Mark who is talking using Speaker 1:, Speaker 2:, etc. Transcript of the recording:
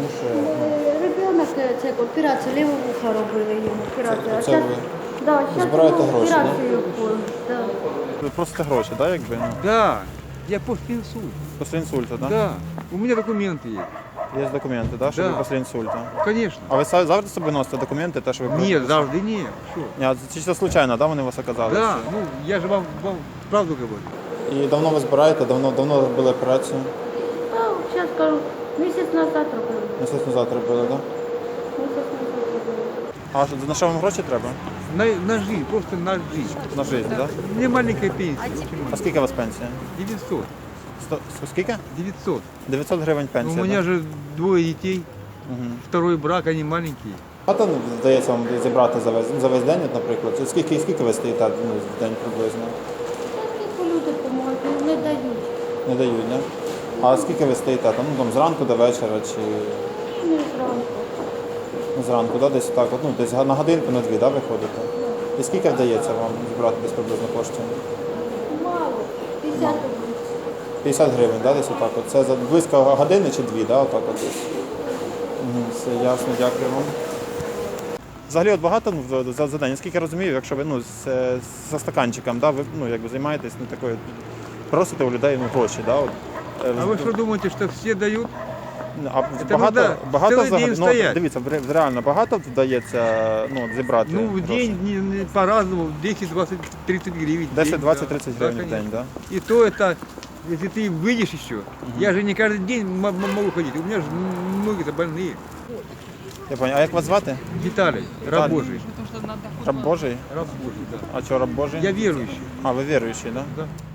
Speaker 1: тому що
Speaker 2: Ребенок, це операцію лівого вуха робили йому. Операцію.
Speaker 1: це ви
Speaker 2: зараз
Speaker 1: збираєте гроші, да?
Speaker 2: операцію да?
Speaker 1: ви просите гроші, так, якби? Ну,
Speaker 3: Да, я после инсульта.
Speaker 1: після інсульту, так?
Speaker 3: Да, у меня документы есть.
Speaker 1: Є документи, так, що
Speaker 3: Да.
Speaker 1: ви після інсульту.
Speaker 3: Конечно.
Speaker 1: А ви завжди собі носите документи, те, що ви
Speaker 3: Нет, завжди нет. Что?
Speaker 1: Ні, а це чисто случайно, да, вони у вас оказали?
Speaker 3: Да, ну я же вам правду говорю.
Speaker 1: І давно ви збираєте, давно робили операцію?
Speaker 2: Зараз кажу, місяць назад робили.
Speaker 1: Місяць назад робили, так?
Speaker 2: Місяць назад робили.
Speaker 1: А на що вам гроші треба?
Speaker 3: На жизнь, просто на жизнь.
Speaker 1: На життя, так?
Speaker 3: Мне маленькая пенсия. Очень
Speaker 1: А скільки у вас пенсія?
Speaker 3: 900.
Speaker 1: Скільки?
Speaker 3: 900.
Speaker 1: 900 гривень
Speaker 3: Ну,
Speaker 1: пенсія,
Speaker 3: у меня
Speaker 1: да?
Speaker 3: же двое детей,
Speaker 1: Мгм.
Speaker 3: второй брак, они маленькие.
Speaker 1: Багато вдається вам зібрати за весь день, от, наприклад? Чи скільки ви стоїте в день приблизно?
Speaker 2: Скільки люди допомагають, не дають.
Speaker 1: Не дають, не? А скільки ви стоїте? Там зранку до вечора чи
Speaker 2: Не зранку.
Speaker 1: зранку, да? Десь так, десь на годинку, на дві, да, виходите? І скільки вдається вам зібрати десь приблизно коштів?
Speaker 2: Мало. 50 рублів.
Speaker 1: 50 гривень, да, десь отак от. Це за близько години чи дві, да, отак от десь. Все ясно, дякую вам. Взагалі от багато за день, наскільки я розумію, якщо ви за стаканчиком, да, ви якби займаєтесь такою, просите у людей гроші, да, от.
Speaker 3: А вы что думаете, что все дают?
Speaker 1: А
Speaker 3: Це можна цілий день стоять.
Speaker 1: дивіться, реально багато вдається зібрати
Speaker 3: Ну, в
Speaker 1: гроші?
Speaker 3: день по-разному, 10, 20, 30 гривен. в
Speaker 1: 10,
Speaker 3: день,
Speaker 1: 20,
Speaker 3: да.
Speaker 1: 30
Speaker 3: Да,
Speaker 1: гривень в день,
Speaker 3: конечно.
Speaker 1: да?
Speaker 3: И то это, если ты выйдешь еще, я же не каждый день могу ходить, у меня же ноги-то больные.
Speaker 1: Я понял. А як вас звати?
Speaker 3: Виталий, раб Божий.
Speaker 1: Раб Божий?
Speaker 3: Раб Божий, да.
Speaker 1: А що, раб Божий?
Speaker 3: Я верующий.
Speaker 1: А, ви віруючий, да?
Speaker 3: Да.